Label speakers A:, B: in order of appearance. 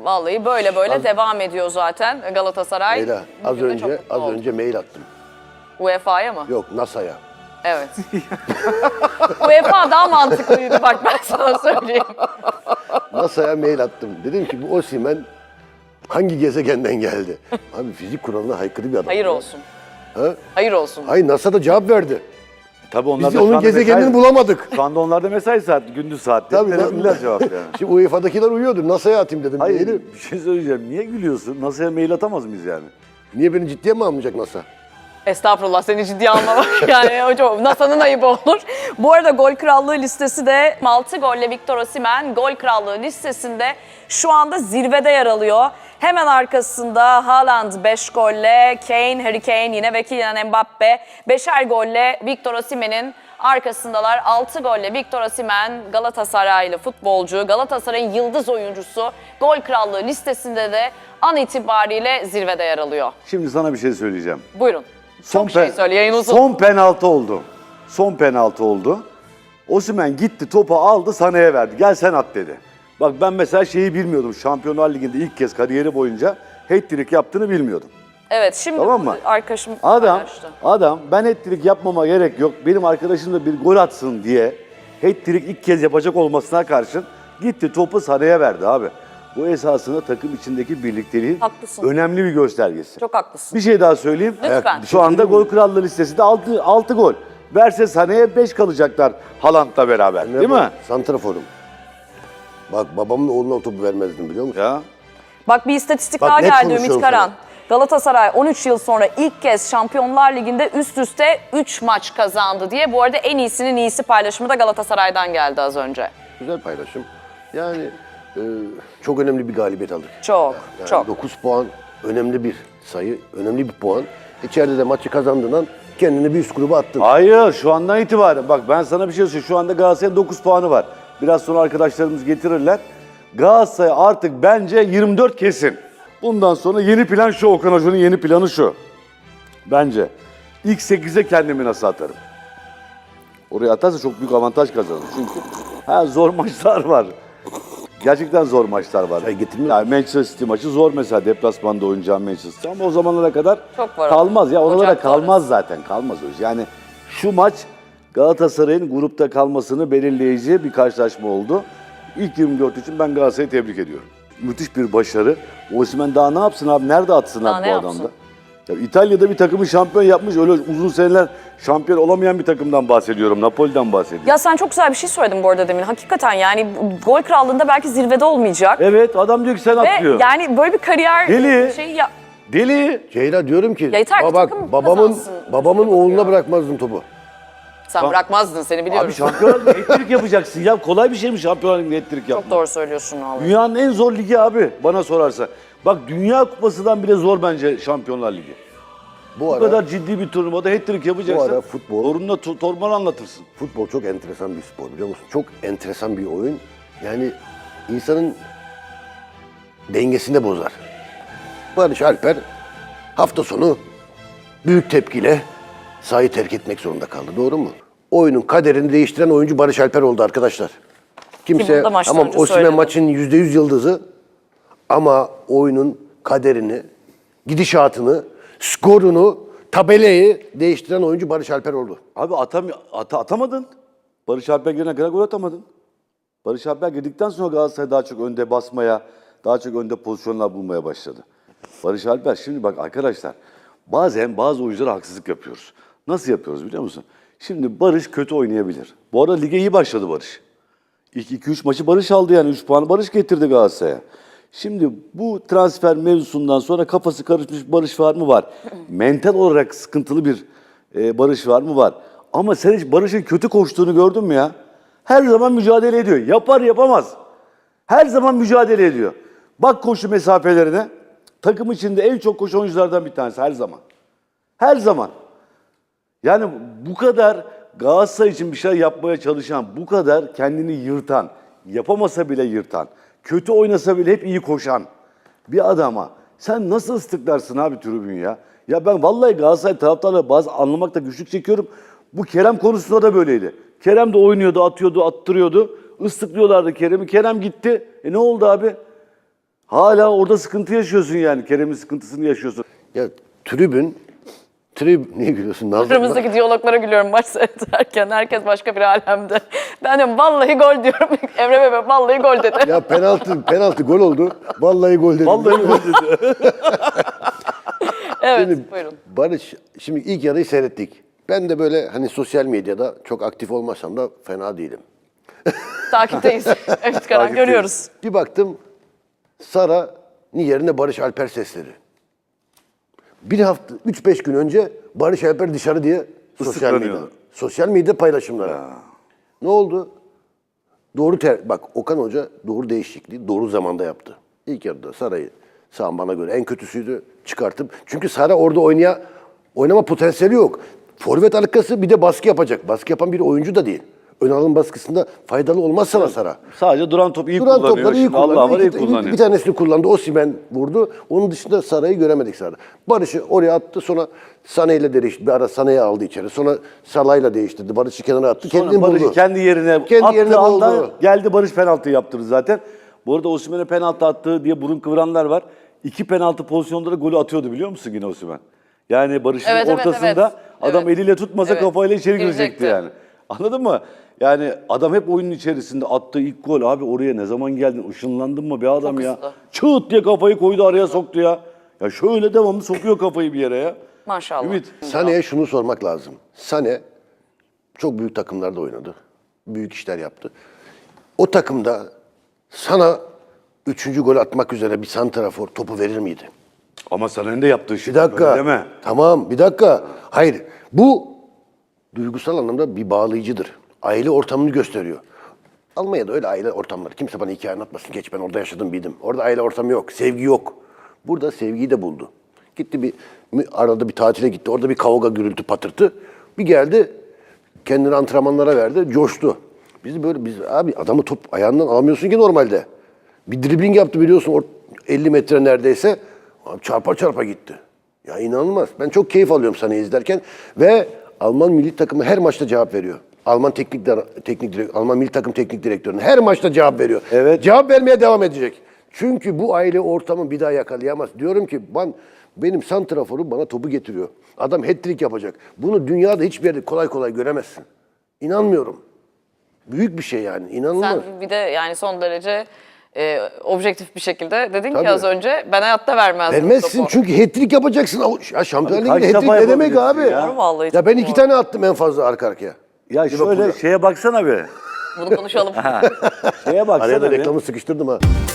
A: Vallahi böyle devam ediyor zaten Galatasaray.
B: Leyla, az önce mail attım.
A: UEFA'ya mı?
B: Yok, NASA'ya.
A: Evet. UEFA daha mantıklıydı bak ben sana söyleyeyim.
B: NASA'ya mail attım. Dedim ki bu Osimhen hangi gezegenden geldi? Abi fizik kuralına aykırı bir adam.
A: Hayır olsun.
B: Ha?
A: Hayır olsun.
B: Hayır, NASA da cevap verdi.
C: Tabii onlar
B: Biz
C: da şu
B: onun
C: anda
B: gezegenini
C: mesai-
B: bulamadık.
C: Şu anda onlarda mesai saat, gündüz saat.
B: Tabii,
C: Verebilirler cevap yani.
B: Şimdi UEFA'dakiler uyuyordur. NASA'ya atayım dedim.
C: Hayır,
B: maili.
C: bir şey söyleyeceğim. Niye gülüyorsun? NASA'ya mail atamaz mıyız yani?
B: Niye beni ciddiye mi almayacak NASA?
A: Estağfurullah seni ciddiye almamak yani hocam NASA'nın ayıbı olur. Bu arada gol krallığı listesi de 6 golle Victor Osimhen gol krallığı listesinde şu anda zirvede yer alıyor. Hemen arkasında Haaland 5 golle, Kane, Harry Kane yine ve Kylian Mbappe 5'er golle Victor Osimhen'in arkasındalar. 6 golle Victor Osimhen Galatasaraylı futbolcu, Galatasaray'ın yıldız oyuncusu gol krallığı listesinde de an itibariyle zirvede yer alıyor.
C: Şimdi sana bir şey söyleyeceğim.
A: Buyurun. Çok şey söyle, yayın uzun.
C: Son penaltı oldu. Son penaltı oldu. Osimhen gitti, topu aldı, Sané'ye verdi. Gel sen at dedi. Bak ben mesela şeyi bilmiyordum. Şampiyonlar Ligi'nde ilk kez kariyeri boyunca hat-trick yaptığını bilmiyordum.
A: Evet, şimdi
C: Tamam mı?
A: arkadaşım
C: Adam ben hat-trick yapmama gerek yok. Benim arkadaşım da bir gol atsın diye hat-trick ilk kez yapacak olmasına karşın gitti topu Sané'ye verdi abi. Bu esasında takım içindeki birlikteliğin
A: Haklısın.
C: önemli bir göstergesi.
A: Çok haklısın.
C: Bir şey daha söyleyeyim.
A: Lütfen.
C: Şu anda gol krallığı listesinde 6 gol. Verse Sané'ye 5 kalacaklar Haaland'la beraber. Değil mi?
B: Santraforum. Bak babamın oğluna o topu vermezdim biliyor musun?
C: Ya.
A: Bak bir istatistik
B: Bak,
A: daha
B: net
A: geldi
B: konuşuyorum
A: Ümit Karan.
B: sana.
A: Galatasaray 13 yıl sonra ilk kez Şampiyonlar Ligi'nde üst üste 3 maç kazandı diye. Bu arada en iyisinin iyisi paylaşımı da Galatasaray'dan geldi az önce.
B: Güzel paylaşım. Yani çok önemli bir galibiyet aldık.
A: Çok,
B: Yani
A: çok.
B: 9 puan önemli bir sayı, önemli bir puan. İçeride de maçı kazandığından kendini bir üst gruba attın.
C: Hayır, şu andan itibaren. Bak ben sana bir şey söyleyeyim. Şu anda Galatasaray'ın 9 puanı var. Biraz sonra arkadaşlarımız getirirler. Galatasaray artık bence 24 kesin. Bundan sonra yeni plan şu, Okan Hoca'nın yeni planı şu. Bence. İlk 8'e kendimi nasıl atarım? Oraya atarsa çok büyük avantaj kazanır. Çünkü zor maçlar var. Gerçekten zor maçlar var. Yani Manchester City maçı zor mesela, deplasmanda oynayacağım Manchester. Ama o zamanlara kadar
A: Çok var
C: kalmaz. Ya ona da
A: Ocak
C: kalmaz zaten. Kalmaz o. Yani şu maç Galatasaray'ın grupta kalmasını belirleyici bir karşılaşma oldu. İlk 24 için ben Galatasaray'ı tebrik ediyorum. Müthiş bir başarı. Osimhen daha ne yapsın abi? Nerede atsın
A: Daha
C: abi
A: ne
C: bu
A: yapsın?
C: adamda? Ya İtalya'da bir takımı şampiyon yapmış. Öyle uzun seneler şampiyon olamayan bir takımdan bahsediyorum. Napoli'den bahsediyorum.
A: Ya sen çok güzel bir şey söyledin bu arada demin. Hakikaten yani gol krallığında belki zirvede olmayacak.
C: Evet, adam diyor ki sen at diyor.
A: Ve yani böyle bir kariyer
C: Deli.
A: şeyi ya.
C: Deli.
B: Ceyla diyorum ki
A: Ya yeter ki
B: bak
A: takım
B: babamın
A: kazansın.
B: oğluna bırakmazdım topu.
A: Sen bırakmazdın seni biliyorum.
C: Abi Şampiyonlar Ligi'nde hat-trick yapacaksın ya. Kolay bir şey mi Şampiyonlar Ligi'nde hat-trick yapmak?
A: Çok doğru söylüyorsun vallahi.
C: Dünyanın en zor ligi abi bana sorarsa. Bak Dünya Kupası'dan bile zor bence Şampiyonlar Ligi. Bu kadar ciddi bir turnuvada hat-trick yapacaksan
B: Bu ara futbol-
C: torununa torbanı anlatırsın.
B: Futbol çok enteresan bir spor biliyor musun? Çok enteresan bir oyun. Yani insanın dengesini de bozar. Barış Alper hafta sonu büyük tepkiyle sahayı terk etmek zorunda kaldı. Doğru mu? Oyunun kaderini değiştiren oyuncu Barış Alper oldu arkadaşlar. Kimse
A: bunu da maçtan
B: tamam
A: önce
B: Osimhen
A: söyledim.
B: maçın %100 yıldızı ama oyunun kaderini, gidişatını, skorunu, tabelayı değiştiren oyuncu Barış Alper oldu.
C: Abi atamadın. Barış Alper girene kadar gol atamadın. Barış Alper girdikten sonra Galatasaray daha çok önde basmaya, daha çok önde pozisyonlar bulmaya başladı. Barış Alper şimdi bak arkadaşlar bazen bazı oyunculara haksızlık yapıyoruz. Nasıl yapıyoruz biliyor musun? Şimdi Barış kötü oynayabilir. Bu arada lige iyi başladı Barış. İlk 2-3 maçı Barış aldı yani 3 puanı Barış getirdi Galatasaray'a. Şimdi bu transfer mevzusundan sonra kafası karışmış Barış var mı? Var. Mental olarak sıkıntılı bir Barış var mı? Var. Ama sen hiç Barış'ın kötü koştuğunu gördün mü ya? Her zaman mücadele ediyor. Yapar yapamaz. Her zaman mücadele ediyor. Bak koşu mesafelerine. Takım içinde en çok koşu oyunculardan bir tanesi her zaman. Her zaman. Yani bu kadar Galatasaray için bir şey yapmaya çalışan, bu kadar kendini yırtan, yapamasa bile yırtan, kötü oynasa bile hep iyi koşan bir adama sen nasıl ıslıklarsın abi tribün ya? Ya ben vallahi Galatasaray taraftarları bazı anlamakta güçlük çekiyorum. Bu Kerem konusunda da böyleydi. Kerem de oynuyordu, atıyordu, attırıyordu. Islıklıyorlardı Kerem'i. Kerem gitti. Ne oldu abi? Hala orada sıkıntı yaşıyorsun yani. Kerem'in sıkıntısını yaşıyorsun.
B: Ya niye gülüyorsun? Nazlı,
A: Aramızdaki diyaloglara gülüyorum maç seyrederken. Herkes başka bir alemde. Ben diyorum vallahi gol diyorum. Emre Bebe vallahi gol dedi.
B: ya penaltı gol oldu. Vallahi gol dedim.
C: Vallahi gol dedi.
A: Evet
B: Şimdi
A: buyurun.
B: Barış, şimdi ilk yarıyı seyrettik. Ben de böyle hani sosyal medyada çok aktif olmasam da fena değilim.
A: Takipteyiz. Evet Karan görüyoruz.
B: Bir baktım Sara'nın yerine Barış Alper sesleri. Bir hafta, 3-5 gün önce Barış Alper dışarı diye
C: Islıklanıyordu.
B: sosyal medya paylaşımları. Ne oldu? Bak Okan Hoca doğru değişikliği doğru zamanda yaptı. İlk yarıda Sara'yı sağ bana göre en kötüsüydü çıkartıp. Çünkü Sara orada oynama potansiyeli yok. Forvet arkası bir de baskı yapacak. Baskı yapan bir oyuncu da değil. Ön alım baskısında faydalı olmaz sana Sara.
C: Sadece duran topu iyi
B: Duran
C: kullanıyor.
B: topları iyi
C: Şimdi Allah var iyi
B: kullanıyor.
C: kullanıyor.
B: Bir tanesini kullandı. Osimhen vurdu. Onun dışında Sara'yı göremedik Sara'da. Barış'ı oraya attı. Sonra Sané ile değişti. Bir ara Sané'yi aldı içeri. Sonra Salah'yla değiştirdi. Barış'ı kenara attı.
C: Sonra
B: Kendini
C: Barış'ı
B: buldu.
C: kendi yerine
B: Kendi
C: attığı
B: yerine
C: anda
B: buldu.
C: geldi Barış penaltı yaptırdı zaten. Bu arada Osimhen'e penaltı attığı diye burun kıvıranlar var. 2 penaltı pozisyonda da golü atıyordu biliyor musun yine Osimhen? Yani Barış'ın
A: Evet, evet,
C: ortasında
A: evet.
C: adam
A: Evet.
C: eliyle tutmasa
A: Evet.
C: kafayla içeri
A: Girecekti.
C: girecekti yani. Anladın mı? Yani adam hep oyunun içerisinde attığı ilk gol. Abi oraya ne zaman geldin? Işınlandın mı be adam
A: Çok
C: ya?
A: hızlı.
C: Çığıt diye kafayı koydu araya soktu ya. Ya şöyle devamlı sokuyor kafayı bir yere ya.
A: Maşallah.
C: Ümit.
B: Sané'ye şunu sormak lazım. Sané çok büyük takımlarda oynadı. Büyük işler yaptı. O takımda sana 3. gol atmak üzere bir santrafor topu verir miydi?
C: Ama Sané'nin de yaptığı şey.
B: Bir dakika.
C: Öyle deme.
B: Tamam, bir dakika. Hayır, bu duygusal anlamda bir bağlayıcıdır. Aile ortamını gösteriyor. Almanya'da öyle aile ortamları. Kimse bana hikaye anlatmasın. Geç ben orada yaşadım bildim. Orada aile ortamı yok, sevgi yok. Burada sevgiyi de buldu. Gitti arada bir tatile gitti. Orada bir kavga, gürültü, patırtı. Bir geldi, kendini antrenmanlara verdi, coştu. Biz abi adamı top ayağından alamıyorsun ki normalde. Bir dribbling yaptı biliyorsun 50 metre neredeyse. Abi çarpa çarpa gitti. Ya inanılmaz. Ben çok keyif alıyorum seni izlerken ve Alman milli takımı her maçta cevap veriyor. Alman Alman milli takım teknik direktörüne her maçta cevap veriyor.
C: Evet.
B: Cevap vermeye devam edecek. Çünkü bu aile ortamı bir daha yakalayamaz. Diyorum ki benim santraforum bana topu getiriyor. Adam hat-trick yapacak. Bunu dünyada hiçbir yerde kolay kolay göremezsin. İnanmıyorum. Büyük bir şey yani. İnanılmaz.
A: Sen bir de yani son derece objektif bir şekilde dedin ki
B: Tabii.
A: az önce ben hayatta vermezdim
B: Vermezsin
A: topu.
B: çünkü hat-trick yapacaksın. Ya Şampiyonlar
C: Abi kaç
B: Ligi'nde
C: defa
B: hat-trick ne demek abi?
C: yapabilirsin ya?
A: Doğru vallahi,
B: Ya
A: çok
B: ben 2
A: doğru.
B: tane attım en fazla arka arkaya.
C: Ya şöyle şeye baksana be.
A: Bunu konuşalım.
C: Şeye baksana
B: Araya da
C: be.
B: reklamı sıkıştırdım ha.